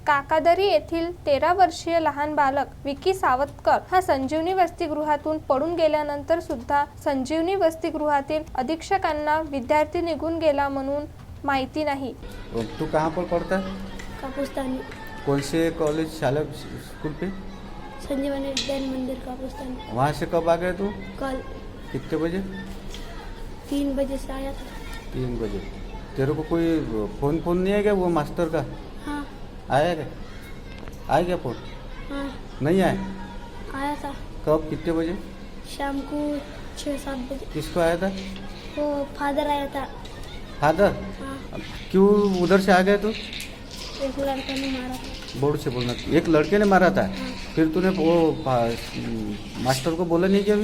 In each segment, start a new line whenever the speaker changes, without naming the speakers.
काकादरी येथील 13 वर्षीय लहान बालक विकी सावतकर हा संजीवनी वसतिगृहातून पडून गेल्यानंतर सुद्धा संजीवनी वसतिगृहातील अधीक्षकांना विद्यार्थी निघून गेला म्हणून माहिती नहीं।
तू कहाँ पर पढ़ता है?
कापुस्तानी।
कौन से कॉलेज शाला स्कूल पे?
संजीवनी विद्यान मंदिर कापुस्तानी।
वहाँ से कब आ गए तू?
कल।
कितने बजे?
3 बजे से आया था।
3 बजे। तेरे को कोई फोन नहीं आया क्या वो मास्टर का?
हाँ।
आया क्या? आया क्या फोन?
हाँ।
नहीं आया?
आया था।
कब कितने बजे?
शाम को 6-7 बजे।
किसको आया था?
वो फादर आया था।
फादर?
हाँ।
क्यों उधर से आ गए तू?
एक लड़का ने मारा था।
बोर्ड से बोलना। एक लड़के ने मारा था?
हाँ।
फिर तूने वो मास्टर को बोला नहीं क्या?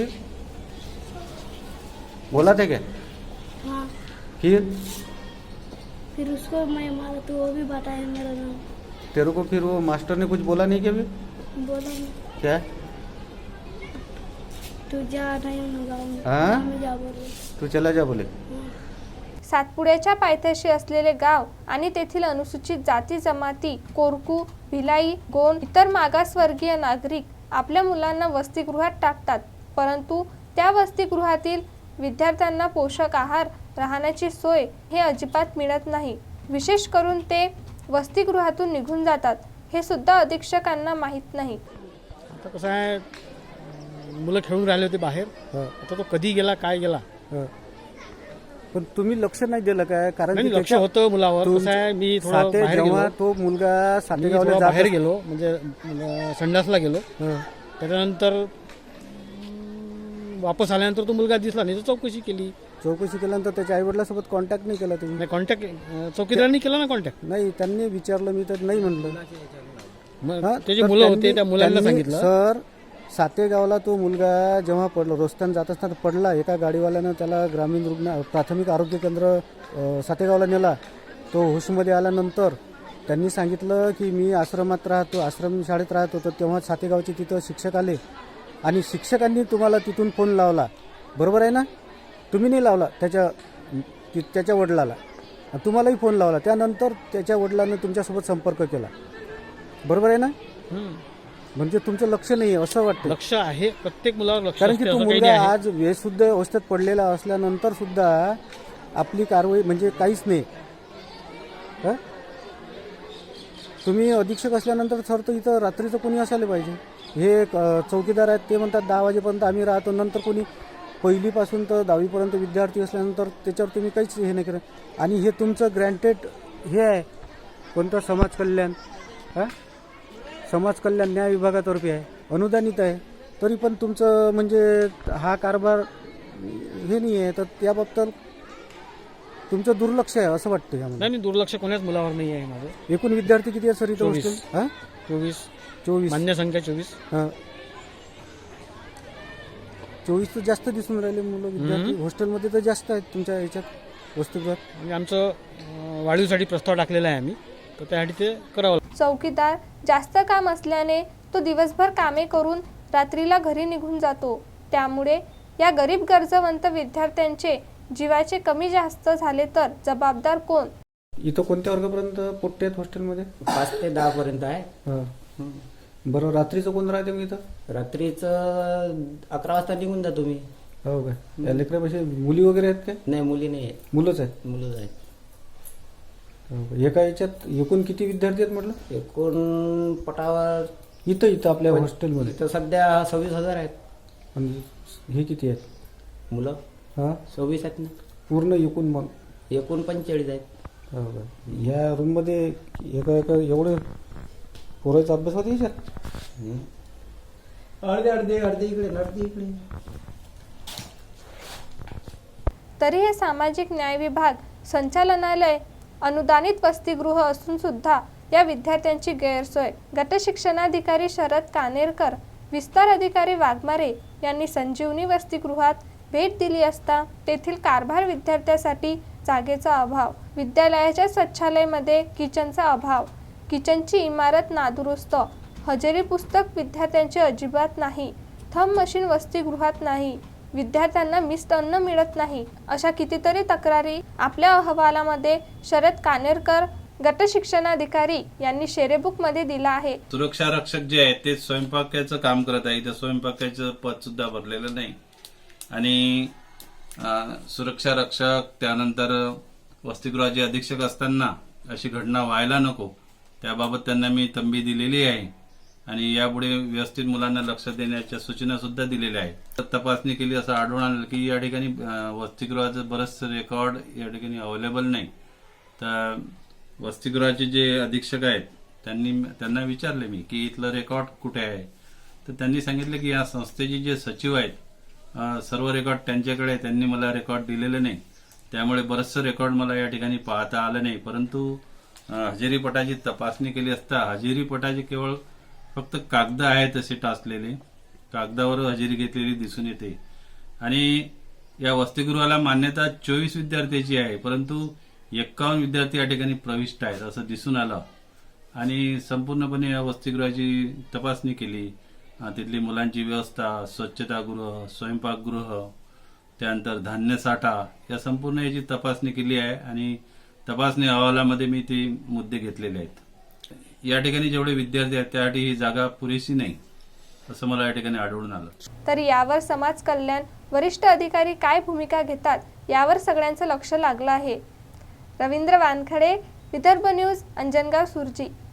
बोला था क्या?
हाँ। फिर उसको मैं मारा तो वो भी बताया मेरा नाम।
तेरे को फिर वो मास्टर ने कुछ बोला नहीं क्या?
बोला नहीं।
क्या?
तू जा नहीं ना गाँव में।
हाँ?
गाँव में जा बोले।
तू चला जा बोले।
हाँ।
सातपुड्याच्या पायथ्याशी असलेले गाव आणि तेथील अनुसूचित जाती जमाती कोरकू, भिलाई, गोंड इतर मागासवर्गीय नागरिक आपल्या मुलांना वसतिगृहात टाकतात, परंतु त्या वसतिगृहातील विद्यार्थ्यांना पोषक आहार, राहण्याची सोय हे अजिबात मिळत नाही। विशेष करून ते वसतिगृहातून निघून जातात हे सुद्धा अधीक्षकांना माहीत नाही।
आता कसं आहे, मुलं खेळून राहिले होते बाहेर, आता तो कधी गेला काय गेला
पण तुम्ही लक्ष नाही दिलं काय? कारण
नाही, लक्ष होतं मुलावर। कसं आहे, मी थोडं बाहेर
जेव्हा
गेलो,
तो मुलगा
मी
सातेगावला
थोडं
जात
बाहेर गेलो म्हणजे संडासला गेलो, त्याच्यानंतर वापस आल्यानंतर तो मुलगा दिसला नाही, तर चौकशी केली।
चौकशी केल्यानंतर त्याच्या आई वडिलांसोबत कॉन्टॅक्ट नाही केला तुम्ही?
नाही, कॉन्टॅक्ट चौकीदारांनी केला ना कॉन्टॅक्ट।
नाही, त्यांनी विचारलं, मी तर नाही म्हणलं।
त्याची मुलं होते, त्या मुलांना सांगितलं
सर, सातेगावला तो मुलगा जेव्हा पडला, रस्त्याने जात असताना पडला, एका गाडीवाल्यानं त्याला ग्रामीण रुग्ण प्राथमिक आरोग्य केंद्र सातेगावला नेला। तो होशमध्ये आल्यानंतर त्यांनी सांगितलं की मी आश्रमात राहतो, आश्रम शाळेत राहत होतो, तेव्हा सातेगावचे तिथं शिक्षक आले आणि शिक्षकांनी तुम्हाला तिथून फोन लावला, बरोबर आहे ना? तुम्ही नाही लावला, त्याच्या वडिलाला, तुम्हालाही फोन लावला, त्यानंतर त्याच्या वडिलांनी तुमच्यासोबत संपर्क केला, बरोबर आहे ना? म्हणजे तुमचं लक्ष नाही आहे असं वाटतं?
लक्ष आहे, प्रत्येक मुलावर लक्ष
कारण की
असते,
तो
असं काही
मुलगा
नाही आहे।
आज बेशुद्ध अवस्थेत पडलेला असल्यानंतर सुद्धा आपली कारवाई म्हणजे काहीच नाही। तुम्ही अधीक्षक असल्यानंतर सर तर इथं रात्रीचं कोणी असायला पाहिजे। हे चौकीदार आहेत, ते म्हणतात 10 वाजेपर्यंत आम्ही राहतो, नंतर कोणी पहिलीपासून तर 10वीपर्यंत विद्यार्थी असल्यानंतर त्याच्यावर तुम्ही काहीच हे नाही करत। आणि हे तुमचं ग्रँटेड हे आहे कोणतं समाज कल्याण, समाज कल्याण न्याय विभागातर्फे आहे, अनुदानित आहे, तरी पण तुमचं म्हणजे हा कारभार हे नाही आहे, तर त्याबाबत तुमचं दुर्लक्ष आहे असं वाटतं यामध्ये।
नाही, दुर्लक्ष कोणाच मुलावर नाही आहे माझं।
एकूण विद्यार्थी किती आहे सर इथं हॉस्टेल?
24 मान्य संख्या 24।
24 तर जास्त दिसून राहिले मुलं विद्यार्थी हॉस्टेलमध्ये, तर जास्त आहेत तुमच्या याच्यात वसतिगृहात।
म्हणजे आमचं वाढीसाठी प्रस्ताव टाकलेला आहे आम्ही, तर त्यासाठी ते करावं लागतं।
चौकीदार जास्त काम असल्याने तो दिवसभर कामे करून रात्रीला घरी निघून जातो, त्यामुळे या गरीब गरजवंत विद्यार्थ्यांचे जीवाचे कमी जास्त झाले तर जबाबदार कोण?
इथं कोणत्या वर्गापर्यंत पोट्टे आहेत हॉस्टेलमध्ये?
5 ते 10 पर्यंत आहे।
बरं, रात्रीचं कोण राहते मग इथं?
रात्रीचं 11 वाजता निघून जा तुम्ही।
हो काय? या लेकरापाशी मुली वगैरे आहेत काय?
नाही, मुली नाही आहेत,
मुलंच आहेत?
मुलंच आहेत।
एका याच्यात एकूण किती विद्यार्थी आहेत म्हटलं?
एकूण पटावर
इथं आपल्या हॉस्टेलमध्ये
तर सध्या 26,000 आहेत।
आणि हे किती आहेत
मुलं? 26 आहेत ना
पूर्ण एकूण? मग
एकूण 45 आहेत।
हो का? ह्या रूममध्ये एका एवढे पोराचा अभ्यास होते याच्यात?
अर्धे इकडे, अर्धे इकडे।
तरी हे सामाजिक न्याय विभाग संचालनालय अनुदानित वसतिगृह असून सुद्धा या विद्यार्थ्यांची गैरसोय। गट शिक्षणाधिकारी शरद कानेरकर, विस्तार अधिकारी वाघमारे यांनी संजीवनी वसतिगृहात भेट दिली असता तेथील कारभार, विद्यार्थ्यांसाठी जागेचा अभाव, विद्यालयाच्या शौचालयामध्ये किचनचा अभाव, किचनची इमारत नादुरुस्त, हजेरी पुस्तक विद्यार्थ्यांचे अजिबात नाही, थंब मशीन वसतिगृहात नाही, विद्यार्थ्यांना मिस्ट अन्न मिळत नाही, अशा कितीतरी तक्रारी आपल्या अहवालामध्ये शरद कानेरकर गट शिक्षणाधिकारी यांनी शेरेबुकमध्ये दिला आहे.
सुरक्षा रक्षक जे आहेत ते स्वयंपाकाचं काम करत आहे. इथं स्वयंपाकाचं पद सुद्धा भरलेलं नाही आणि सुरक्षा रक्षक त्यानंतर वसतिगृहाचे अधीक्षक असताना अशी घटना व्हायला नको त्याबाबत त्यांना मी तंबी दिलेली आहे आणि यापुढे व्यवस्थित मुलांना लक्ष देण्याच्या सूचना सुद्धा दिलेल्या आहेत. तपासणी केली असं आढळून आलं की या ठिकाणी वसतिगृहाचं बरंचसं रेकॉर्ड या ठिकाणी अवेलेबल नाही. तर वसतिगृहाचे जे अधीक्षक आहेत त्यांना विचारले मी की इथलं रेकॉर्ड कुठे आहे. तर त्यांनी सांगितलं की या संस्थेचे जे सचिव आहेत सर्व रेकॉर्ड त्यांच्याकडे आहे. त्यांनी मला रेकॉर्ड दिलेले नाही. त्यामुळे बरंचसं रेकॉर्ड मला या ठिकाणी पाहता आलं नाही. परंतु हजेरीपटाची तपासणी केली असता हजेरीपटाचे केवळ फक्त कागद आहेत असे टाचलेले कागदावर हजेरी घेतलेली दिसून येते आणि या वसतिगृहाला मान्यता 24 विद्यार्थ्यांची आहे परंतु 51 विद्यार्थी या ठिकाणी प्रविष्ट आहेत असं दिसून आलं आणि संपूर्णपणे या वसतिगृहाची तपासणी केली. तिथली मुलांची व्यवस्था, स्वच्छतागृह, स्वयंपाकगृह, त्यानंतर धान्य साठा या संपूर्ण याची तपासणी केली आहे आणि तपासणी अहवालामध्ये मी ते मुद्दे घेतलेले आहेत. या ठिकाणी जेवढे विद्यार्थी आहेत त्यासाठी ही जागा पुरेशी नाही असं मला या ठिकाणी आढळून आलं.
तर यावर समाज कल्याण वरिष्ठ अधिकारी काय भूमिका घेतात यावर सगळ्यांचं लक्ष लागलं आहे. रवींद्र वानखडे, विदर्भ न्यूज, अंजनगाव, सुरजी.